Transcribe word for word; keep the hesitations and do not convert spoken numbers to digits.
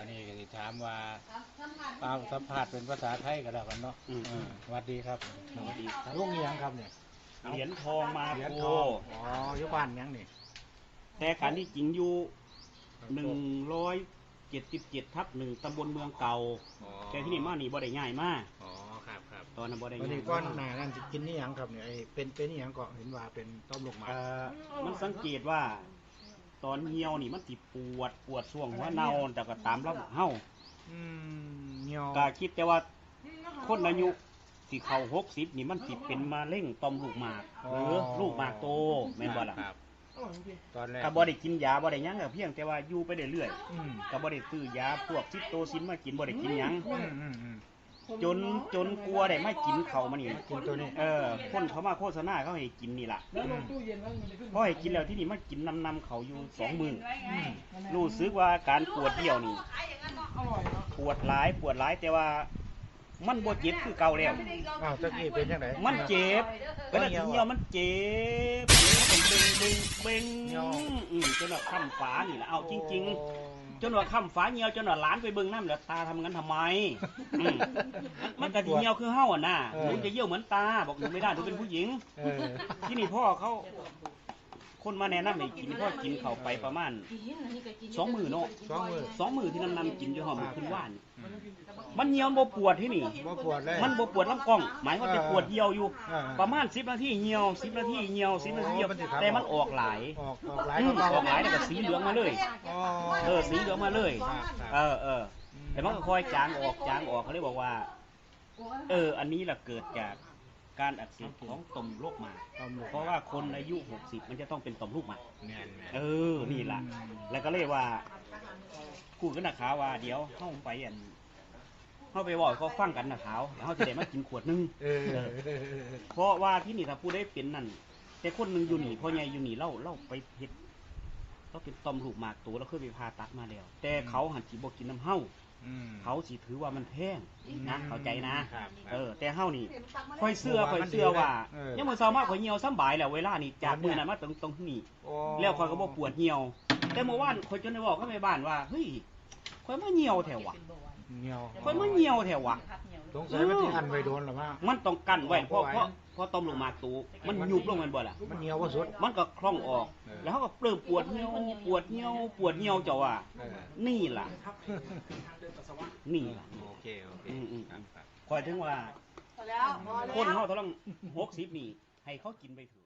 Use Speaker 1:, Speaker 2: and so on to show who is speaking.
Speaker 1: วันนี้ก็จะถามว่าตามสัมผัสเป็นภาษาไทยก็แล้วกันเนาะสวัสดีครับสวัสดีลุงยังครับเนี่ย
Speaker 2: เหรียญทองมาโก
Speaker 1: อ๋อยุบ้านยังนี่
Speaker 2: แต่การที่จริงอยู่หนึ่งร้อยเจ็ดสิบเจ็ดทับหนึ่งตำบลเมืองเก่าแต่ที่นี่มานี่บ่ได้ง่ายมาก
Speaker 1: อ๋อครับครับ
Speaker 2: ตอนนั้นบ่ได้
Speaker 1: ง่ายก้อนหนานั่นกินนี่ยังครับเนี่ยเป็นเป็นนี่ยังก็เห็นว่าเป็นต้มลูกหมาก
Speaker 2: มันสังเกตว่าตอนเหี่ยวนี่มันติปวดปวดช่วงหัวเน่าแต่ก็ตามระบบเฮา
Speaker 1: เหี่ยว
Speaker 2: ก็คิดแต่ว่าคนอายุสิเข้าหกสิบนี่มันติเป็นมะเร็งต่อมลูกหมากหรือลูกหมากโตแม่นบ่ล่ะ
Speaker 1: ตอนแรก
Speaker 2: ก็บ่ได้กินยาบ่ได้หยังก็เพียงแต่ว่าอยู่ไปเรื่อยๆก็บ่ได้ซื้อยาพวกซิปโตซินมากินบ่ได้กินหยังจนจนกลัวได้ไม่กินเขามันนี่
Speaker 1: กินตัวนี้
Speaker 2: เออคนเขามาโฆษณาเขาให้กินนี่ล่ะพอให้กินแล้วที่นี่มากินนำนำเขาอยู่สองมื้อรู้สึกว่าการปวดเดี่ยวนี่ปวดหลายปวดหลายแต่ว่ามันบ่เจ็บคือเก่าแล้ว
Speaker 1: อ้าวตะกี้เป็นจังได๋
Speaker 2: มันเจ็บเวลาเหี่ยวมันเจ็บมันเบ่งเบ่งเบ่งอืมจนว่าค้ำฝานี่ล่ะเอาจริงๆจนว่าค้ำฝาเหี่ยวจนว่าหลานไปเบิ่งน้ำแล้วตาทำงั้นทำไมมันก็สิเหี่ยวคือเฮาอ่ะนะหนูจะเหี่ยวเหมือนตาบอกหนูไม่ได้หนูเป็นผู้หญิงที่นี่พ่อเขาคนมาแนะนำให้กินพ่อกินเข้าไปประมาณสองมือเนาะ
Speaker 1: สองมือ
Speaker 2: สองมือที่นำนำกินอยู่หอมขึ้นว่านมันเหี่ยวบ่ปวดที่นี่มันบ่ปวดลำกล้องหมายว่าจะปวดเหี่ยวอยู่ประมาณสิบนาทีเหี่ยวสิบนาทีเหี่ยวสิบนาทีเหี่ยวแต่มันออกหลาย
Speaker 1: ออกออกหลาย
Speaker 2: ออกหลายแล้วก็สีเหลืองมาเลยเออสีเหลืองมาเลยเออเออแต่มันก็ค่อยจางออกจางออกเขาเลยบอกว่าเอออันนี้แหละเกิดจากการอักเสบของต่อมลูกหมากเพราะว่าคนอายุหกสิบมันจะต้องเป็นต่อมลูกหมากเออนี่แหละแล้วก็เลยว่าพูดกันนะขาวว่าเดี๋ยวเข้าไปอันเข้าไปบอกเขาฟังกันนะขาวแล้วเขาจะได้มากินขวดนึงเพราะว่าที่นี่ถ้าผู้ได้เป็นนั่นแต่คนหนึ่งอยู่หนีพ่อใหญ่อยู่หนีเล่าเล่าไปเห็ดก็เป็นต่อมลูกหมากตัวแล้วเคยไปพาตัดมาแล้วแต่เขาหันจีบกินน้ำเห่าเขาสิถือว่ามันแพงนะเข้าใจนะเออแต่เฮานี่ค่อยเสื้อค่อยเสื้อว่ายังมือเศร้ามากค่อยเหี่ยวซ้ำบ่ายแล้วเวลานี่จากมือนั้นมาตรงตรงนี้แล้วค่อยก็บอกปวดเหี่ยวแต่เมื่อวานค่อยจนได้บอกเขาในบ้านว่าเฮ้ยค่อยมาเหี่ยวแถววะ
Speaker 1: เหี่ยว
Speaker 2: ค่อยมาเหี่ยวแถววะ
Speaker 1: สงสัยมันที่อันไว้โดนหรือว่า
Speaker 2: มันต้องกั้นไว้เพราะเพราะเพราะต้มลงมาตูมันยุบลงมันบ่ล่ะ
Speaker 1: มันเหี่ยวว่าสุด
Speaker 2: มันก็คล่องออกแล้วเขาก็เริ่มปวดเหี่ยวปวดเหี่ยวปวดเหี่ยวเจ้าว่านี่ล่ะนี่ล่ะ
Speaker 1: โอเคโอเค
Speaker 2: คอยถึงว่าคนเขาต้องหกสิบนี่ให้เขากินไปถือ